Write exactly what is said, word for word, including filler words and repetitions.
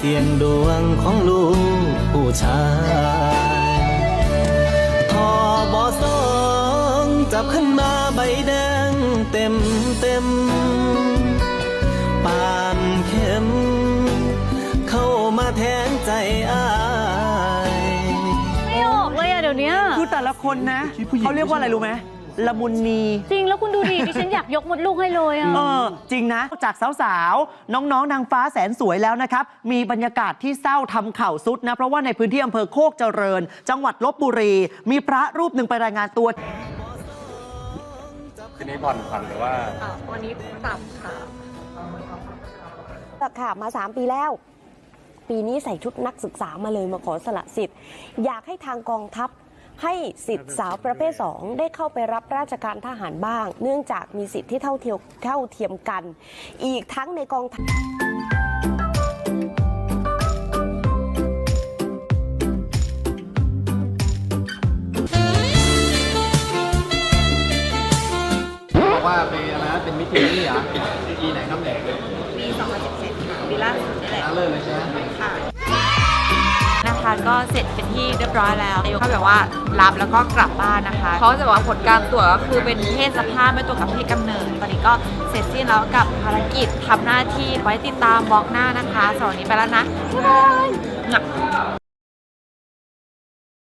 สี่ยงดวงของลูกผู้ชายทอบอสองจับขึ้นมาใบแดงเต็มเต็มปานเข็มเข้ามาแทนใจอ้ายไม่ออกเลยอะเดี๋ยวนี้คือแต่ละคนนะเขาเรียกว่าอะไรรู้ไหมละมุนนีจริงแล้วคุณดูดิดิฉันอยากยกมดลูกให้เลยอะเออจริงนะจากสาวๆน้องๆนางฟ้าแสนสวยแล้วนะครับมีบรรยากาศที่เศร้าทำเข่าสุดนะเพราะว่าในพื้นที่อำเภอโคกเจริญจังหวัดลบบุรีมีพระรูปหนึ่งไปรายงานตัวทีนี้ผ่อนผันหรือว่าวันนี้ปรับค่ะค่ะมาสามปีแล้วปีนี้ใส่ชุดนักศึกษามาเลยมาขอสละสิทธิ์อยากให้ทางกองทัพให้สิทธิ์สาวประเภทสองได้เข้าไปรับราชการทหารบ้างเนื่องจากมีสิทธิ์ที่เท่าเทียมเท่าเทียมกันอีกทั้งในกองทัพบอกว่าเป็นอะไรนะเป็นมิตรนี่เหรอปีไหนครับเนี่ยปีสองพันสิบเจ็ดค่ะปีล่าสุดนี่แหละเลิกเลยใช่ไหมค่ะนะคะก็เสร็จเป็นที่เรียบร้อยแล้วนายกเขาแบบว่ารับแล้วก็กลับบ้านนะคะเขาจะบอกว่าผลการตรวจก็คือเป็นเพศสภาพไม่ตรงกับเพศกำเนิดตอนนี้ก็เสร็จสิ้นแล้วกับภารกิจทำหน้าที่ไว้ติดตามบล็อกหน้านะคะสำหรับวันนี้ไปแล้วนะบ๊ายบาย